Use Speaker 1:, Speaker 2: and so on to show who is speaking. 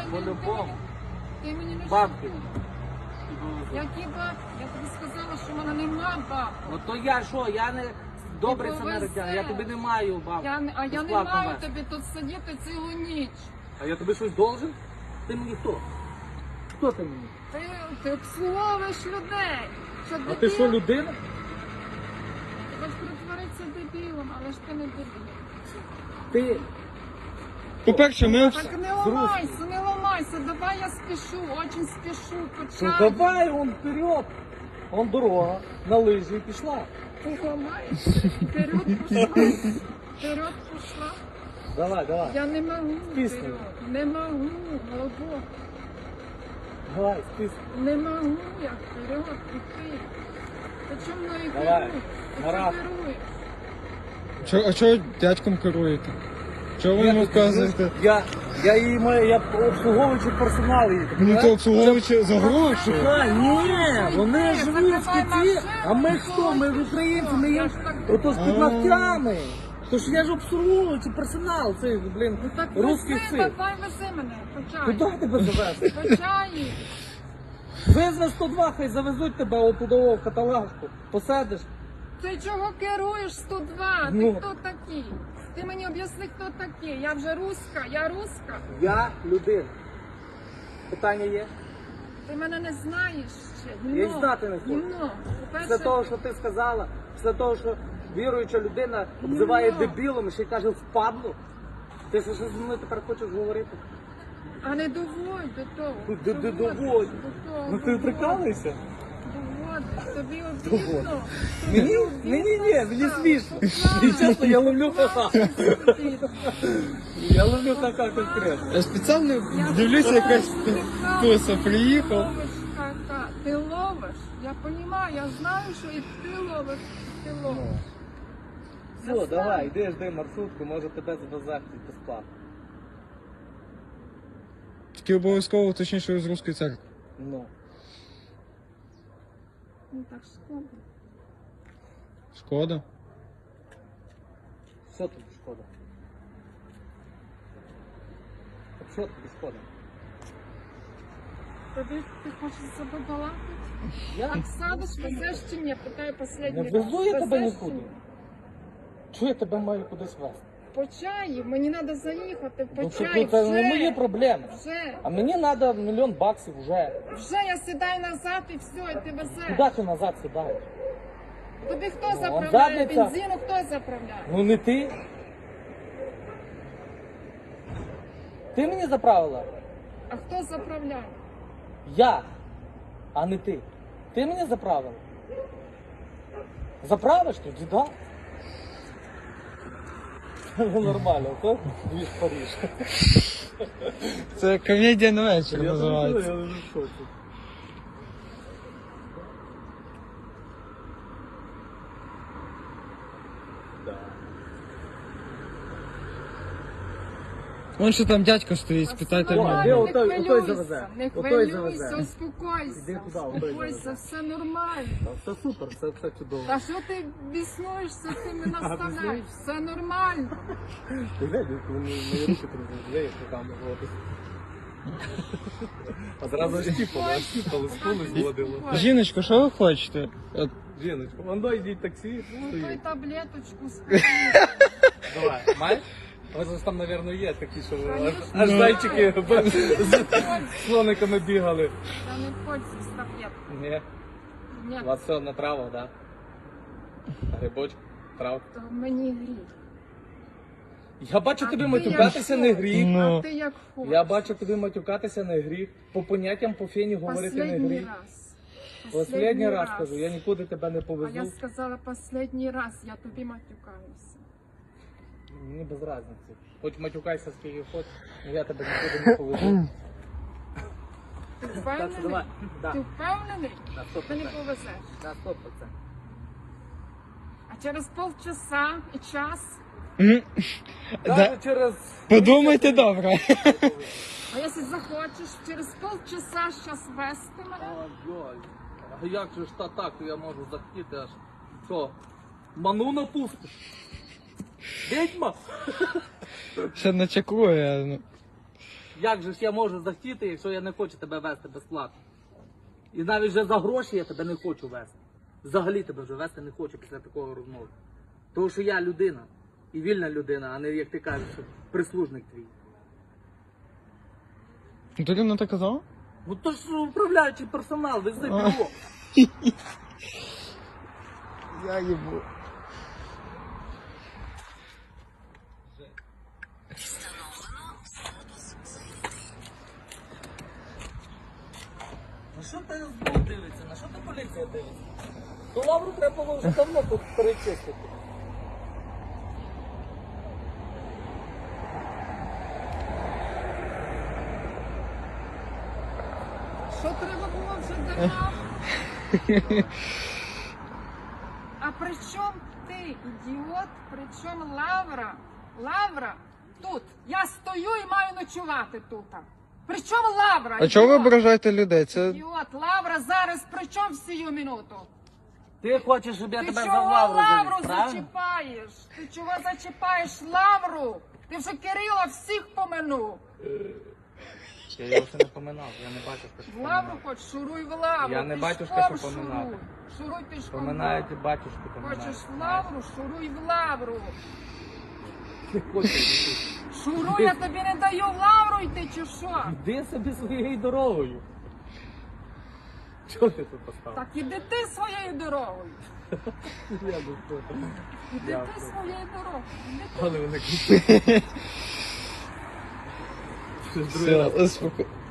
Speaker 1: По-любому.
Speaker 2: Ти мені не
Speaker 1: Бабки.
Speaker 2: шукай. Які бабки? Я тобі сказала, що в мене нема бабки.
Speaker 1: Ну то я що, я не добрий
Speaker 2: Ти
Speaker 1: самаритян, я
Speaker 2: повезе.
Speaker 1: тобі не маю бабки.
Speaker 2: А я не
Speaker 1: Безплатно
Speaker 2: маю
Speaker 1: вести.
Speaker 2: тобі тут сидіти цілу ніч.
Speaker 1: А я тобі щось должен? Ти мені хто? Хто ти мені?
Speaker 2: Ти обслуговуєш людей. Що,
Speaker 1: А ти що, людина?
Speaker 2: Ти хочеш притворитися дебілом, але ж ти не дебіл.
Speaker 1: Ти
Speaker 3: По-перше, ми
Speaker 2: Так не ламайся, не ламайся, давай я спішу, очень спішу,
Speaker 1: ну
Speaker 2: почай.
Speaker 1: давай он вперед. Он дорога, на лижі і пішла.
Speaker 2: Ти ламаєш, вперед пішла, вперед пішла.
Speaker 1: Давай, давай.
Speaker 2: Я не можу
Speaker 1: Пісню.
Speaker 2: вперед, не можу, глибоко.
Speaker 1: Давай, список.
Speaker 2: Не можу я вперед піти. Ти чому мною
Speaker 1: Давай,
Speaker 2: керуєш? Ти
Speaker 1: Марат.
Speaker 2: чому керуєш?
Speaker 3: А чого дядьком керуєте? Чого ви йому вказуєте?
Speaker 1: Я її маю, я обслуговуючий персонал її.
Speaker 3: Ну то обслуговуючи за гроші.
Speaker 1: Ні, вони
Speaker 2: Ні,
Speaker 1: живуть в
Speaker 2: закривай
Speaker 1: Киті,
Speaker 2: машину,
Speaker 1: а ми хто? Ми українці, ми
Speaker 2: Я
Speaker 1: їм
Speaker 2: ж так
Speaker 1: ото з під ногтями. Тож я ж обслуговуючий персонал, цей, блін,
Speaker 2: Ну так
Speaker 1: русський
Speaker 2: вези,
Speaker 1: цирк.
Speaker 2: давай вези мене, почай.
Speaker 1: Куди тебе завезти?
Speaker 2: Почай.
Speaker 1: Визви 102, хай завезуть тебе отуди в каталажку. Посадиш.
Speaker 2: Ти чого керуєш 102?
Speaker 1: Ну.
Speaker 2: Ти хто такий? Ти мені об'ясни, хто такий. Я вже руська, я руська.
Speaker 1: Я людина. Питання є?
Speaker 2: Ти мене не знаєш ще.
Speaker 1: Я й знати не хочу.
Speaker 2: Ну,
Speaker 1: Після того, що ти сказала, після того, що віруюча людина обзиває дебілом і ще й каже впадло, ти що зі мною тепер хочеш говорити?
Speaker 2: а не доводь до того.
Speaker 1: Доводь.
Speaker 2: До того,
Speaker 1: Ну ти
Speaker 2: доводь.
Speaker 1: прикалуєшся?
Speaker 2: Доводь. Тобі обідно.
Speaker 1: Мені? Мені смішно. І чесно, я ловлю ха-ха. Я ловлю ха-ха конкретно.
Speaker 3: Я спеціально дивлюся, якась туса приїхав.
Speaker 2: Ловиш ха-ха. Ти ловиш. Я розумію, я знаю, що і ти ловиш, і ти ловиш.
Speaker 1: Все, давай, йди, жди маршрутку, може тебе завезти безплатно.
Speaker 3: Тільки обов'язково точніше з Руської церкви.
Speaker 1: Ну.
Speaker 2: Ну так шкода.
Speaker 3: Шкода.
Speaker 1: Що тобі шкода? Так що тобі шкода?
Speaker 2: Тобі ти хочеш себе балакати?
Speaker 1: Я
Speaker 2: Так садиш, везеш чи ні? Питаю
Speaker 1: не
Speaker 2: последній раз.
Speaker 1: везу я тебе
Speaker 2: Везеш
Speaker 1: нікуди.
Speaker 2: чи ні?
Speaker 1: Чого я тебе маю кудись везти?
Speaker 2: По чаю, мені треба заїхати в
Speaker 1: Ну,
Speaker 2: Почаїв.
Speaker 1: це не мої проблеми.
Speaker 2: Вже.
Speaker 1: А мені треба $1 мільйон вже.
Speaker 2: Вже я сідаю назад і все, і ти везеш.
Speaker 1: Куди ти назад сідаєш?
Speaker 2: Тобі хто
Speaker 1: Ну,
Speaker 2: заправляє?
Speaker 1: задниця.
Speaker 2: Бензину хто заправляє?
Speaker 1: Ну не ти. Ти мені заправила?
Speaker 2: А хто заправляє?
Speaker 1: Я, а не ти. Ти мені заправила? Заправиш тоді, так? Ну нормально, то двіж Париж.
Speaker 3: Це комедія на вечір називається.
Speaker 1: Я не в шоці.
Speaker 3: Вон що там дядько стоїть, спитайте
Speaker 1: О,
Speaker 3: в
Speaker 1: де
Speaker 3: нього.
Speaker 1: отой- отой завезе?
Speaker 2: Не
Speaker 1: Отой
Speaker 2: хвилюйся,
Speaker 1: завезе.
Speaker 2: успокойся.
Speaker 1: Іди туди, отой
Speaker 2: Успокойся,
Speaker 1: завезе.
Speaker 2: все нормально.
Speaker 1: Все супер, все чудово.
Speaker 2: Та що ти біснуєшся, ти мене наставляєш? Все нормально.
Speaker 1: Ти глянь, коли мої руки трудять, руками водить. А зразу щіпало, скули зводило.
Speaker 3: Жіночко, що ви хочете? От,
Speaker 1: Жіночко, вон йдіть таксі,
Speaker 2: Ну, той
Speaker 1: стоїть.
Speaker 2: таблеточку спи.
Speaker 1: Давай, маєш? У вас ж там, мабуть, є такі, що
Speaker 2: Конечно.
Speaker 1: аж зайчики з
Speaker 2: Пользуйся.
Speaker 1: слониками бігали.
Speaker 2: Я не пользуюсь таблеткой.
Speaker 1: Ні,
Speaker 2: Ні,
Speaker 1: у вас все на травах, так? Грибочок, трав.
Speaker 2: то мені гріх.
Speaker 1: Я бачу
Speaker 2: А
Speaker 1: тобі
Speaker 2: ти
Speaker 1: матюкатися
Speaker 2: як
Speaker 1: не
Speaker 2: хочеш?
Speaker 1: гріх.
Speaker 3: Ну.
Speaker 2: А ти як хочеш.
Speaker 1: Я бачу тобі матюкатися не гріх. По поняттям по фені говорити не
Speaker 2: Последній
Speaker 1: гріх.
Speaker 2: раз.
Speaker 1: Последній раз кажу, я нікуди тебе не
Speaker 2: А я
Speaker 1: повезу.
Speaker 2: сказала последній раз, я тобі матюкаюся.
Speaker 1: Мені без разниці. Хоч матюкайся скільки хочеш, але я тебе нікуди не повезу.
Speaker 2: Ти
Speaker 1: Так,
Speaker 2: впевнений?
Speaker 1: давай. Да.
Speaker 2: Ти впевнений?
Speaker 1: На
Speaker 2: Ти не
Speaker 1: 100%.
Speaker 2: повезеш.
Speaker 1: На 100%.
Speaker 2: А через полчаса і час,
Speaker 1: Даже через...
Speaker 3: Подумайте добре.
Speaker 2: а якщо захочеш, через полчаса щас вести мене.
Speaker 1: Ой-ой. А як же ж так я можу захотіти аж... Що? Ману напустиш? Відьма?
Speaker 3: Ще начекує. Ну.
Speaker 1: Як же ж я можу захотіти, якщо я не хочу тебе вести безплатно? І навіть вже за гроші я тебе не хочу вести. Взагалі тебе вже вести не хочу після такого розмови. Тому що я людина. І вільна людина, а не, як ти кажеш, що прислужник твій.
Speaker 3: Ти рівно так казав?
Speaker 1: Ну то ж управляючий персонал, вези бюро.
Speaker 3: Я їбу.
Speaker 1: На що ти СБУ дивиться? На що ти поліція дивиться? То лавру треба було вже давно тут перечистити.
Speaker 2: Що треба було вже давно? А при чому ти, ідіот, при чому Лавра? Лавра тут. Я стою і маю ночувати тут. При чому Лавра?
Speaker 3: А чого ви
Speaker 2: ідіот?
Speaker 3: ображаєте людей? Це
Speaker 2: Ідіот, Лавра зараз при чому в сію минуту?
Speaker 1: Ти хочеш, щоб я
Speaker 2: Ти
Speaker 1: тебе за
Speaker 2: чого
Speaker 1: лавру
Speaker 2: Лавру
Speaker 1: завіз, правильно?
Speaker 2: зачіпаєш? Ти чого зачіпаєш Лавру? Ти вже Кирила всіх поминув.
Speaker 1: Я його ще не поминав, я не бачив, що
Speaker 2: В Лавру хоч, шуруй в Лавру.
Speaker 1: Я не
Speaker 2: пішком
Speaker 1: батюшка, що поминати.
Speaker 2: шуруй. Шуруй пішком.
Speaker 1: Поминають і батюшку поминають.
Speaker 2: Хочеш в Лавру, шуруй в Лавру.
Speaker 1: Ти хочеш,
Speaker 2: Шуруй, я тобі не даю в Лавру йти, чи що?
Speaker 1: іди собі своєю дорогою. Чого ти тут поставив?
Speaker 2: Так іди ти своєю дорогою.
Speaker 1: Я би що там.
Speaker 2: Іди
Speaker 1: Я
Speaker 2: ти
Speaker 1: все.
Speaker 2: своєю дорогою. Іди ти.
Speaker 1: Але вони кричать. Другий раз.
Speaker 3: все, успокой.